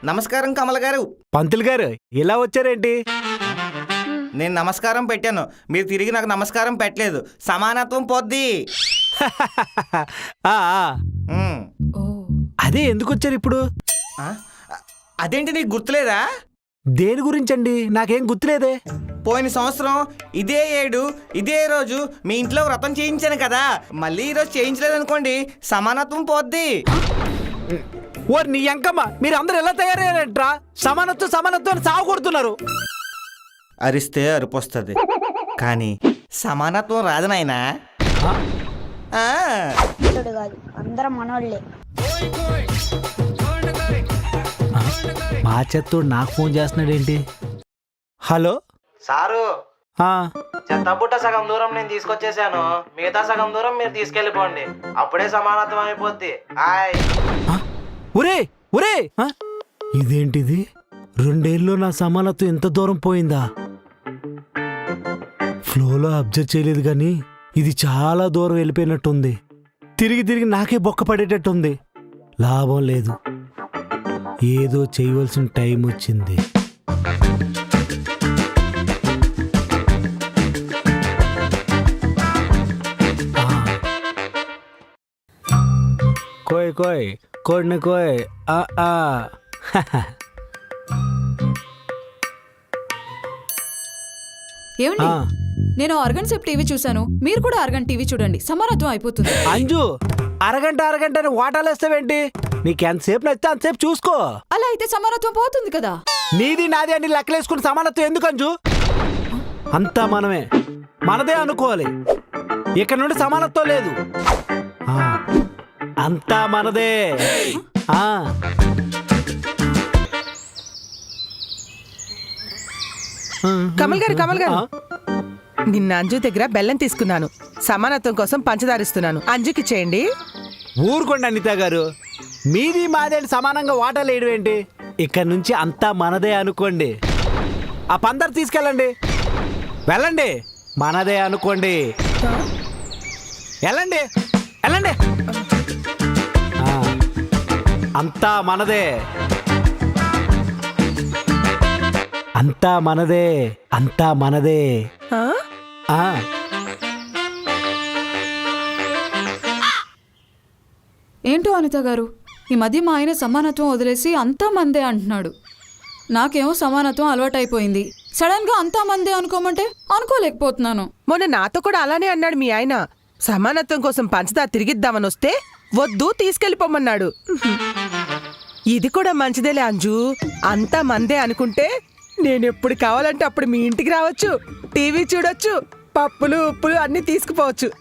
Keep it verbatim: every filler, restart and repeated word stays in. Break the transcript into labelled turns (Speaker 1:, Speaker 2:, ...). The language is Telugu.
Speaker 1: నమస్కారం కమల గారు.
Speaker 2: పంతులు గారు ఇలా వచ్చారేంటి?
Speaker 1: నేను నమస్కారం పెట్టాను, మీరు తిరిగి నాకు నమస్కారం పెట్టలేదు. సమానత్వం పోద్ది.
Speaker 2: ఆ, ఆ.
Speaker 1: ఉమ్.
Speaker 2: అదే ఎందుకు వచ్చారు ఇప్పుడు?
Speaker 1: ఆ? అదేంటి నీకు గుర్తులేదా?
Speaker 2: దేని గురించండి? నాకేం గుర్తులేదే.
Speaker 1: పోయిన సంవత్సరం ఇదే ఏడు ఇదే రోజు మీ ఇంట్లో వ్రతం చేయించాను కదా, మళ్ళీ ఈరోజు చేయించలేదనుకోండి సమానత్వం పోద్ది.
Speaker 2: ఓ నీ అంకమ్మ, మీరు అందరు ఎలా తయారయ్యారంట్రా? సమానత్వం సమానత్వం అని సాగు కొడుతున్నారు.
Speaker 1: అరిస్తే అరుపు వస్తుంది, కానీ సమానత్వం రాదు నాయనా. ఆ.
Speaker 3: కాదు, అందరం మనోళ్ళే.
Speaker 2: మా చెత్తోడు నాకు ఫోన్ చేస్తున్నాడేంటి? హలో
Speaker 4: సారు,
Speaker 2: ఆ,
Speaker 4: చెత్తబుట్ట సగం దూరం నేను తీసుకొచ్చేసాను, మిగతా సగం దూరం మీరు తీసుకెళ్ళిపోండి, అప్పుడే సమానత్వం అయిపోద్ది. ఆయ్
Speaker 2: ఆ, ఒరే ఒరే ఆ, ఇదేంటిది? రెండేళ్ళలో నా సమానత్వం ఎంత దూరం పోయిందా? ఫ్లోలో అబ్జర్వ్ చేయలేదు కానీ ఇది చాలా దూరం వెళ్ళిపోయినట్టుంది. తిరిగి తిరిగి నాకే బొక్క పడేటట్టుంది. లాభం లేదు, ఏదో చేయవలసిన టైం వచ్చింది. కోయ్ కోయ్ కోడిని కోయ్. ఆ, ఆ.
Speaker 5: ఏమండి,
Speaker 2: ఆ,
Speaker 5: నేను అరగంట సేపు టీవీ చూశాను, మీరు కూడా అరగంట టీవీ చూడండి, సమానత్వం అయిపోతుంది.
Speaker 2: అంజు, అరగంట అరగంట అని వాటాలేస్తావేంటి? నీకెంతసేపు నచ్చితే అంతసేపు చూసుకో.
Speaker 5: అలా అయితే సమానత్వం పోతుంది కదా.
Speaker 2: నీది నాది అని లెక్కలేసుకుని సమానత్వం ఎందుకు అంజు? అంతా మనమే, మనదే అనుకోవాలి. ఇక్కడ నుండి సమానత్వం లేదు. ఆ, అంతా మనదే. ఆ,
Speaker 6: కమల్ గారు కమల్ గారు
Speaker 2: ఆ,
Speaker 6: నిన్న అంజు దగ్గర బెల్లం తీసుకున్నాను, సమానత్వం కోసం పంచదారిస్తున్నాను, అంజుకి చేయండి.
Speaker 2: ఊరుకోండి అనిత గారు, మీది మాదే అని సమానంగా వాటాలు వేయడం ఏంటి? ఇక్కడ నుంచి అంతా మనదే అనుకోండి. ఆ పందరు తీసుకెళ్ళండి, వెళ్ళండి, మనదే అనుకోండి. వెళ్ళండి వెళ్ళండి. ఆ, అంతా మనదే, అంతా మనదే, అంతా మనదే.
Speaker 6: ఆ?
Speaker 2: ఆ,
Speaker 5: ఏంటో అనిత గారు, ఈ మధ్య మా ఆయన సమానత్వం వదిలేసి అంతా మందే అంటున్నాడు. నాకేమో సమానత్వం అలవాటైపోయింది. సడన్ గా అంతా మందే అనుకోమంటే అనుకోలేకపోతున్నాను.
Speaker 6: మొన్న నాతో కూడా అలానే అన్నాడు మీ ఆయన. సమానత్వం కోసం పంచదార తిరిగిద్దామని వస్తే వద్దు తీసుకెళ్ళిపోమన్నాడు. ఇది కూడా మంచిదేలే అంజు, అంతా మందే అనుకుంటే నేనెప్పుడు కావాలంటే అప్పుడు మీ ఇంటికి రావచ్చు, టీవీ చూడొచ్చు, పప్పులు ఉప్పులు అన్నీ తీసుకుపోవచ్చు.